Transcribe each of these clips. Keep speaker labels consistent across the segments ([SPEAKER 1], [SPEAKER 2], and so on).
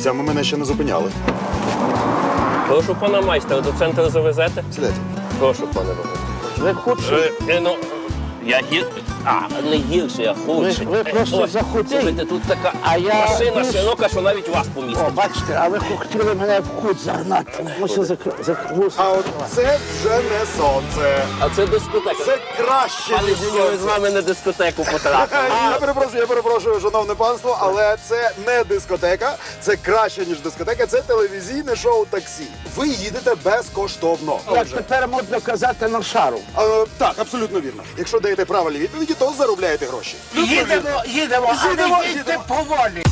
[SPEAKER 1] хлопцями мене ще не зупиняли.
[SPEAKER 2] Прошу пана майстра, до центру завезете?
[SPEAKER 1] Сідайте.
[SPEAKER 2] Прошу, пане Богу.
[SPEAKER 3] Ви худший.
[SPEAKER 2] Ну, я не гірше, я худший.
[SPEAKER 3] Ви просто захудий.
[SPEAKER 2] Слухайте, тут така
[SPEAKER 3] А я
[SPEAKER 2] машина
[SPEAKER 3] більш-
[SPEAKER 2] широка, що навіть вас
[SPEAKER 3] О,
[SPEAKER 2] помістить.
[SPEAKER 3] бачите, а ви хотіли мене в кут загнати. Мусив закрути.
[SPEAKER 1] А от це вже не сонце.
[SPEAKER 2] А це дискотека.
[SPEAKER 1] Це краще,
[SPEAKER 2] Пане
[SPEAKER 1] ніж
[SPEAKER 2] Дзюню, ми з
[SPEAKER 1] сонце.
[SPEAKER 2] вами на дискотеку потрапили.
[SPEAKER 1] Я перепрошую, шановне панство, але це не дискотека, це краще, ніж дискотека, це телевізійне шоу «Таксі». Ви їдете безкоштовно.
[SPEAKER 3] Як тепер модно казати на шару.
[SPEAKER 1] Так, абсолютно вірно. Якщо даєте правильні відповіді, то заробляєте гроші.
[SPEAKER 3] Їдемо, а
[SPEAKER 1] Їдемо,
[SPEAKER 3] не їдьте
[SPEAKER 1] їдемо.
[SPEAKER 3] поволі.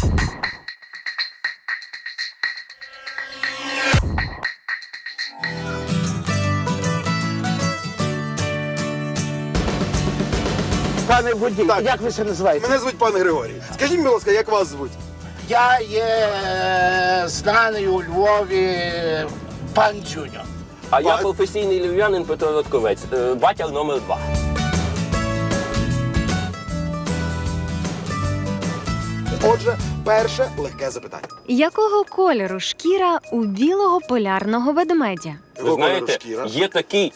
[SPEAKER 3] Пане водій,
[SPEAKER 1] Так.
[SPEAKER 3] як ви це називаєте?
[SPEAKER 1] Мене звуть пан Григорій. Скажіть, будь ласка, як вас звуть?
[SPEAKER 3] Я є знаний у Львові пан Дзюньо.
[SPEAKER 2] А я професійний львів'янин Петро Ротковець, батя номер 2.
[SPEAKER 1] Отже, перше легке запитання.
[SPEAKER 4] Якого кольору шкіра у білого полярного ведмедя?
[SPEAKER 2] Ви знаєте,
[SPEAKER 1] Шкіра.
[SPEAKER 2] є такий,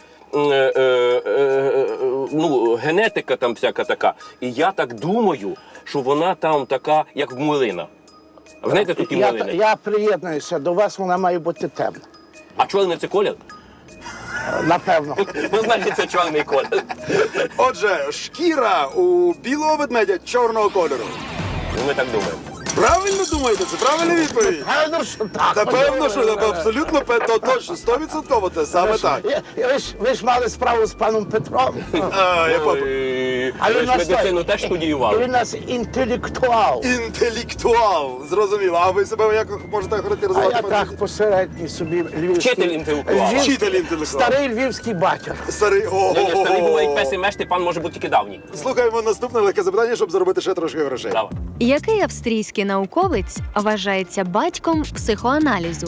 [SPEAKER 2] ну, генетика там всяка така. І я так думаю, що вона там така, як в млина. Ви знаєте, тут і млини.
[SPEAKER 3] Я приєднуюся до вас, вона має бути темна.
[SPEAKER 2] А чорний це колір?
[SPEAKER 3] Напевно.
[SPEAKER 2] Ну, значить, це чорний колір.
[SPEAKER 1] Отже, шкіра у білого ведмедя чорного кольору.
[SPEAKER 2] Ну, ми так думаємо.
[SPEAKER 1] Правильно думаєте? Це правильна відповідь?
[SPEAKER 3] Певно, що так.
[SPEAKER 1] Напевно, що абсолютно то точно, 100% це саме так.
[SPEAKER 3] Ви ж мали справу з паном Петром.
[SPEAKER 1] Я
[SPEAKER 3] А
[SPEAKER 2] Ви
[SPEAKER 3] він
[SPEAKER 2] ж
[SPEAKER 3] нас
[SPEAKER 2] медицину теж
[SPEAKER 3] Він
[SPEAKER 2] студіювали.
[SPEAKER 3] у нас інтелектуал.
[SPEAKER 1] інтелектуал, зрозуміло. А ви себе як можете
[SPEAKER 3] А
[SPEAKER 1] характеризувати?
[SPEAKER 3] я
[SPEAKER 1] пане
[SPEAKER 3] так посередній собі львівський.
[SPEAKER 2] Вчитель інтелектуал.
[SPEAKER 1] Вчитель інтелектуал.
[SPEAKER 3] Старий львівський батя.
[SPEAKER 1] Старий.
[SPEAKER 2] Ні, старий був як пес і
[SPEAKER 1] О.
[SPEAKER 2] меш, пан може бути тільки давній.
[SPEAKER 1] Слухаємо наступне легке запитання, щоб заробити ще трошки грошей.
[SPEAKER 2] Давай.
[SPEAKER 4] Який австрійський науковець вважається батьком психоаналізу?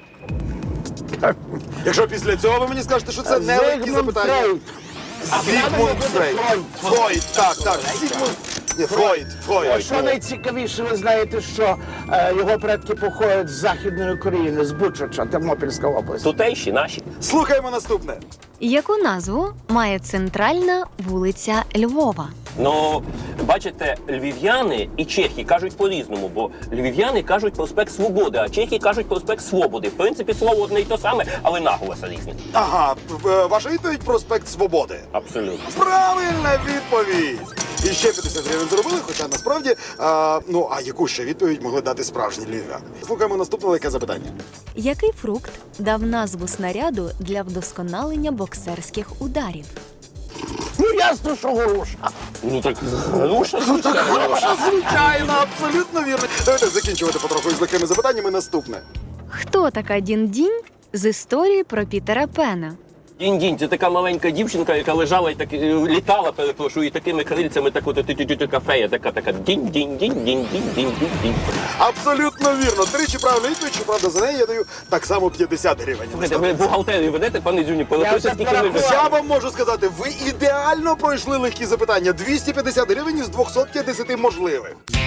[SPEAKER 1] Якщо після цього ви мені скажете, що це не легкі
[SPEAKER 3] Зигмунд
[SPEAKER 1] запитання.
[SPEAKER 3] Фрейд.
[SPEAKER 1] Зігмунд Фрейд. Фройд, так. Зігмунд. Ні, Фройд.
[SPEAKER 3] А що найцікавіше, ви знаєте, що його предки походять з Західної України, з Бучача, Тернопільська область.
[SPEAKER 2] Тутейші, наші.
[SPEAKER 1] Слухаємо наступне.
[SPEAKER 4] Яку назву має центральна вулиця Львова?
[SPEAKER 2] Ну, бачите, львів'яни і чехи кажуть по-різному, бо львів'яни кажуть проспект Свободи, а чехи кажуть проспект Свободи. В принципі, слово одне й то саме, але наголоса різні.
[SPEAKER 1] Ага, ваша відповідь проспект Свободи.
[SPEAKER 2] Абсолютно.
[SPEAKER 1] Правильна відповідь! І ще 50 гривень зробили, хоча насправді, а яку ще відповідь могли дати справжні львів'яни? Слухаємо наступне легке запитання.
[SPEAKER 4] Який фрукт дав назву снаряду для вдосконалення боксерських ударів?
[SPEAKER 3] Ну, ясно, що горуша.
[SPEAKER 2] Ну так, груша,
[SPEAKER 1] Груша, звичайно, абсолютно вірно. Давайте закінчувати потроху з легкими запитаннями. Наступне.
[SPEAKER 4] Хто така Дінь-Дінь з історії про Пітера Пена?
[SPEAKER 2] Дінь-дінь, це така маленька дівчинка, яка лежала і так літала, перепрошую, і такими крильцями, так от кафея, така дінь-дінь-дінь-дінь-дінь-дінь-дінь.
[SPEAKER 1] Абсолютно вірно. Тричі правильна відповідь, щоправда, за неї я даю так само 50 гривень.
[SPEAKER 2] Слухайте, ви бухгалтерію ведете, пане Дзюні, порахуйте,
[SPEAKER 3] Я
[SPEAKER 2] скільки ми вже...
[SPEAKER 1] Я вам можу сказати, ви ідеально пройшли легкі запитання. 250 гривень із 250 можливих.